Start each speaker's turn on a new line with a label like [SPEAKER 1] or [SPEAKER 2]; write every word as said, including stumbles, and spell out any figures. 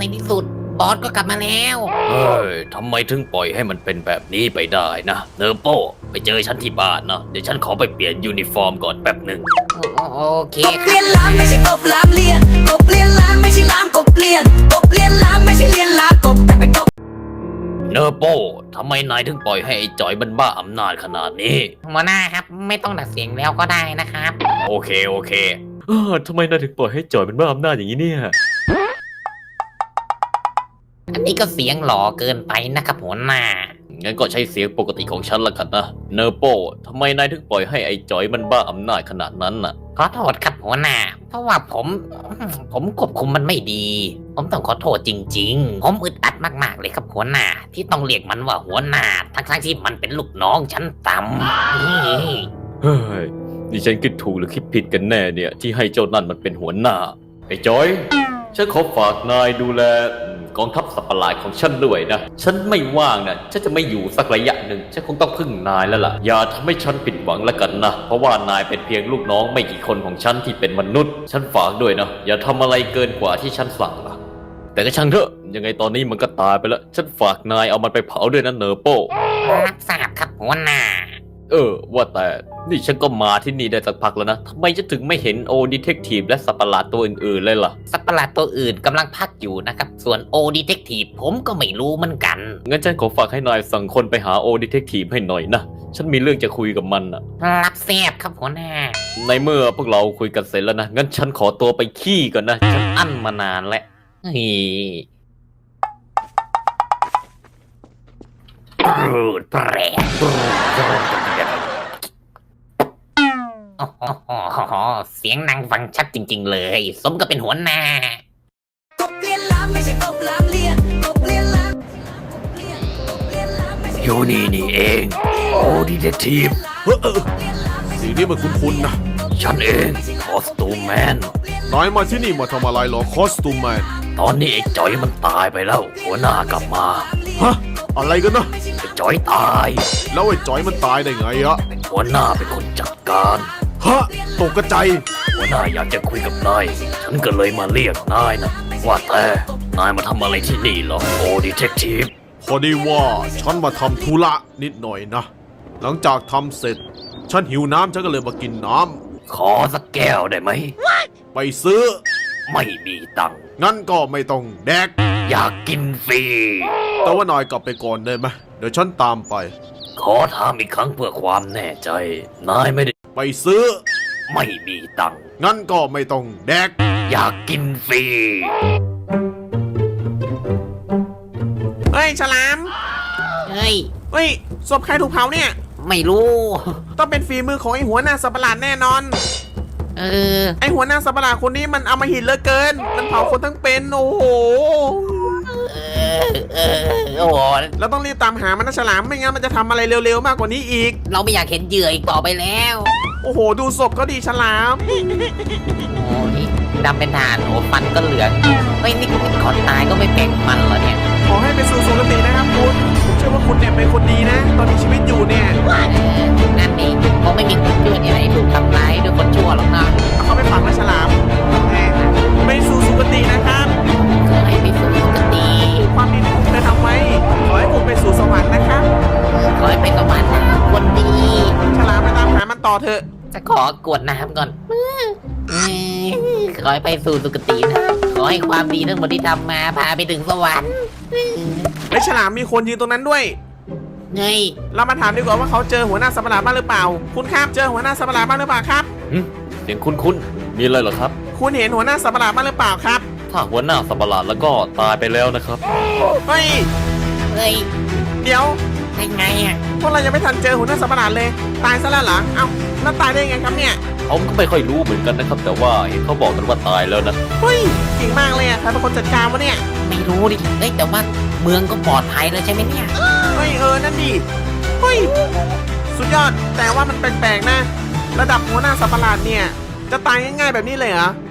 [SPEAKER 1] ที่สุดบอสก็กลับมาแล้ว
[SPEAKER 2] เฮ้ยทำไมถึงปล่อยให้มันเป็นแบบนี้ไปได้นะเนอร์โป้ไปเจอฉันที่บ้านนะเดี๋ยวฉันขอไปเปลี่ยนยูนิฟอร์มก่อนแป๊บหนึ่ง
[SPEAKER 1] โอเค
[SPEAKER 3] กบเลียนล้านไม่ใช่กบล้ามเลียนกบเลียนล้านไม่ใช่ล้ามกบเลียนกบเลียนล้านไม่ใช่เลียนล้ากบแต่เป็นกบ
[SPEAKER 2] เนอร์โป้ทำไมนายถึงปล่อยให้ไอ้จอยมันบ้าอำนาจขนาดนี้
[SPEAKER 1] หัวหน้าครับไม่ต้องดัดเสียงแล้วก็ได้นะครับ
[SPEAKER 2] โอเคโอเคเออทำไมนายถึงปล่อยให้จอยมันบ้าอำนาจอย่างนี้เนี่ย
[SPEAKER 1] อันนี้ก็เสียงหล่อเกินไปนะครับหัวหน้า
[SPEAKER 2] งั้นก็ใช้เสียงปกติของฉันละกันนะเนอร์โป้ทำไมนายถึงปล่อยให้ไอ้จอยมันบ้าอำนาจขนาดนั้นน่ะ
[SPEAKER 1] ขอโทษครับหัวหน้าเพราะว่าผมผมควบคุมมันไม่ดีผมต้องขอโทษจริงๆผมอึดอัดมากๆเลยครับหัวหน้าที่ต้องเรียกมันว่าหัวหน้าทั้งๆที่มันเป็นลูกน้องชั้นต่
[SPEAKER 2] ำเฮ้ยนี่ฉันคิดถูกหรือคิดผิดกันแน่เนี่ยที่ให้เจ้านั่นมันเป็นหัวหน้าไอ้จอยฉันขอฝากนายดูแลกองทัพสัตว์ประหลาดของฉันด้วยนะฉันไม่ว่างนะฉันจะไม่อยู่สักระยะหนึ่งฉันคงต้องพึ่งนายแล้วล่ะอย่าทำให้ฉันผิดหวังแล้วกันนะเพราะว่านายเป็นเพียงลูกน้องไม่กี่คนของฉันที่เป็นมนุษย์ฉันฝากด้วยนะอย่าทำอะไรเกินกว่าที่ฉันสั่งนะแต่ก็ช่างเถอะยังไงตอนนี้มันก็ตายไปแล้วฉันฝากนายเอามันไปเผาด้วยนะเนอร์โป้
[SPEAKER 1] รับทราบครับหัวหน้า
[SPEAKER 2] เออว่าแต่นี่ฉันก็มาที่นี่ได้สักพักแล้วนะทำไมฉันถึงไม่เห็นโอดีเทคทีฟและสัตว์ประหลาดตัวอื่นๆเลยล่ะ
[SPEAKER 1] สัตว์ประหลาดตัวอื่นกำลังพักอยู่นะครับส่วนโอดีเทคทีฟผมก็ไม่รู้เหมือนกัน
[SPEAKER 2] งั้นฉันขอฝากให้นายสั่งคนไปหาโอดีเทคทีฟให้หน่อยนะฉันมีเรื่องจะคุยกับมันนะ
[SPEAKER 1] รับแซบครับหัวหน้า
[SPEAKER 2] ในเมื่อพวกเราคุยกันเสร็จแล้วนะงั้นฉันขอตัวไปขี้ก่อนนะฉันอั้นมานานแล้วนี่
[SPEAKER 1] รูดแปรเสียงนางฟังชัดจริงๆเลยสมกับเป็นหัวหน้ากบเลียนล้านไม่ใช่กบล้ามเลียนกบเลียนล้าน
[SPEAKER 2] อยู่นี่นี่เองโอ้ดีเทคทีฟ
[SPEAKER 4] เฮ้อสีนี้มันคุ้นๆนะ
[SPEAKER 2] ฉันเองคอสตูมแมน
[SPEAKER 4] นายมาที่นี่มาทำอะไรหรอคอสตูมแมน
[SPEAKER 2] ตอนนี้ไอ้จอยมันตายไปแล้วหัวหน้ากลับมา
[SPEAKER 4] ฮะอะไรกันนะ
[SPEAKER 2] ไอ้จอยตาย
[SPEAKER 4] แล้วไอ้จอยมันตายได้ไงอะ
[SPEAKER 2] หัวหน้าเป็นคนจัดการ
[SPEAKER 4] ฮะตกกระจาย
[SPEAKER 2] หัวหน้าอยากจะคุยกับนายฉันก็เลยมาเรียกนายนะว่าแต่นายมาทำอะไรที่นี่เหรอโอ้ดีเทคทีฟ
[SPEAKER 4] พอดีว่าฉันมาทำธุระนิดหน่อยนะหลังจากทำเสร็จฉันหิวน้ำฉันก็เลยมากินน้
[SPEAKER 2] ำขอสักแก้วได้ไหม
[SPEAKER 4] ไปซื้อ
[SPEAKER 2] ไม่มีตังค์
[SPEAKER 4] งั้นก็ไม่ต้องแดก
[SPEAKER 2] อยากกินฟรี
[SPEAKER 4] แต่ว่านายกลับไปก่อนได้ไหมเดี๋ยวฉันตามไป
[SPEAKER 2] ขอถามอีกครั้งเพื่อความแน่ใจนายไม่ได้
[SPEAKER 4] ไปซื้อ
[SPEAKER 2] ไม่มีตังค์
[SPEAKER 4] งั้นก็ไม่ต้องแดก
[SPEAKER 2] อยากกินฟรี
[SPEAKER 5] เฮ้ยฉลาม
[SPEAKER 1] เฮ้ย
[SPEAKER 5] เฮ้ยศพใครถูกเผาเนี่ย
[SPEAKER 1] ไม่รู้
[SPEAKER 5] ต้องเป็นฝีมือของไอ้หัวหน้าสัตว์ประหลาดแน่นอน
[SPEAKER 1] เออ
[SPEAKER 5] ไอหัวหน้าสัตว์ประหลาดคนนี้มันอำมหิตเหลือเกินมันเผาคนทั้งเป็นโอ้โห
[SPEAKER 1] เออเออโอ้โห
[SPEAKER 5] เราต้องรีบตามหามันนะฉลามไม่งั้นมันจะทำอะไรเร็วๆมากกว่านี้อีก
[SPEAKER 1] เราไม่อยากเห็นเหยื่ออีกต่อไปแล้ว
[SPEAKER 5] โอ้โหดูศพก็ดีฉลาม
[SPEAKER 1] โอ้ยดำเป็นฐานโอ้ฟันก็เหลืองเฮ้ยนี่ก่อนตายก็ไม่แปลงมันเหรอเนี่ย
[SPEAKER 5] ขอให้ไปสู่สุคตินะครับคุณผมเชื่อว่าคุณเนี่ยเป็นคนดีนะตอนมีชีวิตอยู่เนี่ย
[SPEAKER 1] นั่นเองคงไม่มีคนชั่วที่ไหนถูกทำร้ายด้วยคนชั่วหรอกนะ
[SPEAKER 5] เขาไม่ฝังนะฉลามไปสู่สุคตินะครับ
[SPEAKER 1] ขอให้ไปสู่สุคติ
[SPEAKER 5] ความดีที่คุณเคยทำไว้ขอให้คุณไปสู่สวรรค์นะครับ
[SPEAKER 1] ขอให้ไปสวรรค์คนดี
[SPEAKER 5] ฉลามไปตามหามันต่อเถอะ
[SPEAKER 1] จะขอกวดน้ำก่อนขอให้ไปสู่สุคตินะขอให้ความดีทั้งหมดที่ทำมาพาไปถึงสวรรค์
[SPEAKER 5] ไอ้ฉลามมีคนยืนตรงนั้นด้วย
[SPEAKER 1] เฮ้ย
[SPEAKER 5] เรามาถามดีกว่าว่าเขาเจอหัวหน้าสัตว์ประหลาดบ้างหรือเปล่าคุณครับเจอหัวหน้าสัตว์ประหลาดบ้างหรือเปล่าครับ
[SPEAKER 2] เสียงคุ้นๆมีอะไรเหรอครับ
[SPEAKER 5] คุณเห็นหัวหน้าสัตว์ประหลาดบ้างหรือเปล่าครับ
[SPEAKER 2] ถ้าหัวหน้าสัตว์ประหลาดแล้วก็ตายไปแล้วนะครับ
[SPEAKER 5] เฮ้ย
[SPEAKER 1] เฮ้ย
[SPEAKER 5] เดี๋ยว
[SPEAKER 1] ได้ไงอ่ะ
[SPEAKER 5] พวกเรายังไม่ทันเจอหัวหน้าสัตว์ประหลาดเลยตายซะแล้วเหรอเอ้าแล้วตายได้ไงครับเนี่ย
[SPEAKER 2] ผมก็ไม่ค่อยรู้เหมือนกันนะครับแต่ว่าเห็นเขาบอกกันว่าตายแล้วนะ
[SPEAKER 5] เฮ้ยเก่งมากเลยอ่ะใครเป็นคนจัดการวะเนี่ย
[SPEAKER 1] ไม่รู้ดิเฮ้ยแต่ว่าเมืองก็ปลอดภัยแล้วใช่ไหมเนี่ย
[SPEAKER 5] เฮ้ยเออนั่นดิเฮ้ยสุดยอดแต่ว่ามันแปลกๆนะระดับหัวหน้าสัตว์ประหลาดเนี่ยจะตายง่ายๆแบบนี้เลยเหรอ